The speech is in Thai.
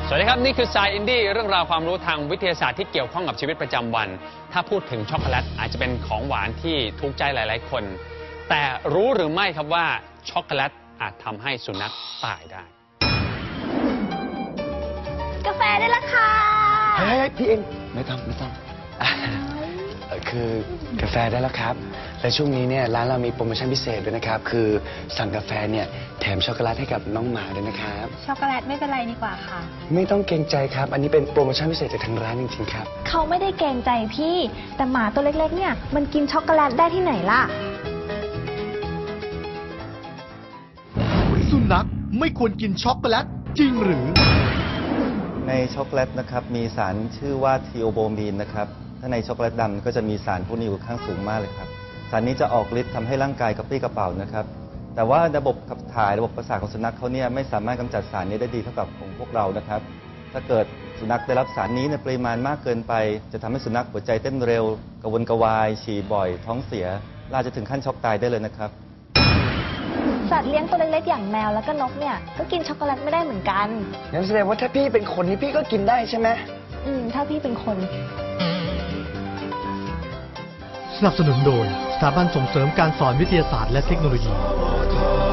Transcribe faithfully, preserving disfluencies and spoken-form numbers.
สวัสดีครับนี่คือ Science Indie เรื่องราวความรู้ทางวิทยาศาสตร์ที่เกี่ยวข้องกับชีวิตประจำวันถ้าพูดถึงช็อกโกแลตอาจจะเป็นของหวานที่ถูกใจหลายๆคนแต่รู้หรือไม่ครับว่าช็อกโกแลตอาจทำให้สุนัขตายได้กาแฟได้ละค่ะเฮ้ยพี่เองไม่ต้องไม่ต้องคือกาแฟได้แล้วครับและช่วงนี้เนี่ยร้านเรามีโปรโมชั่นพิเศษด้วยนะครับคือสั่งกาแฟเนี่ยแถมช็อกโกแลตให้กับน้องหมาด้วยนะครับช็อกโกแลตไม่เป็นไรดีกว่าค่ะไม่ต้องเกรงใจครับอันนี้เป็นโปรโมชั่นพิเศษจากทางร้านจริงๆครับเขาไม่ได้เกรงใจพี่แต่หมาตัวเล็กๆเนี่ยมันกินช็อกโกแลตได้ที่ไหนล่ะสุนัขไม่ควรกินช็อกโกแลตจริงหรือในช็อกโกแลตนะครับมีสารชื่อว่าทีโอโบมีนนะครับถ้าในช็อกโกแลตดำก็จะมีสารพวกนี้อยู่ข้างสูงมากเลยครับสารนี้จะออกฤทธิ์ทำให้ร่างกายกระปรี้กระเป๋านะครับแต่ว่าระบบขับถ่ายระบบประสาทของสุนัขเขาเนี่ยไม่สามารถกำจัดสารนี้ได้ดีเท่ากับของพวกเรานะครับถ้าเกิดสุนัขได้รับสารนี้ในปริมาณมากเกินไปจะทำให้สุนัขหัวใจเต้นเร็วกระวนกระวายฉี่บ่อยท้องเสียล่าจะถึงขั้นช็อกตายได้เลยนะครับสัตว์เลี้ยงตัวเล็กๆอย่างแมวแล้วก็นกเนี่ยก็กินช็อกโกแลตไม่ได้เหมือนกันงั้นแสดงว่าถ้าพี่เป็นคนนี่พี่ก็กินได้ใช่ไหมอืมถ้าพี่เป็นคนสนับสนุนโดยสถาบันส่งเสริมการสอนวิทยาศาสตร์และเทคโนโลยี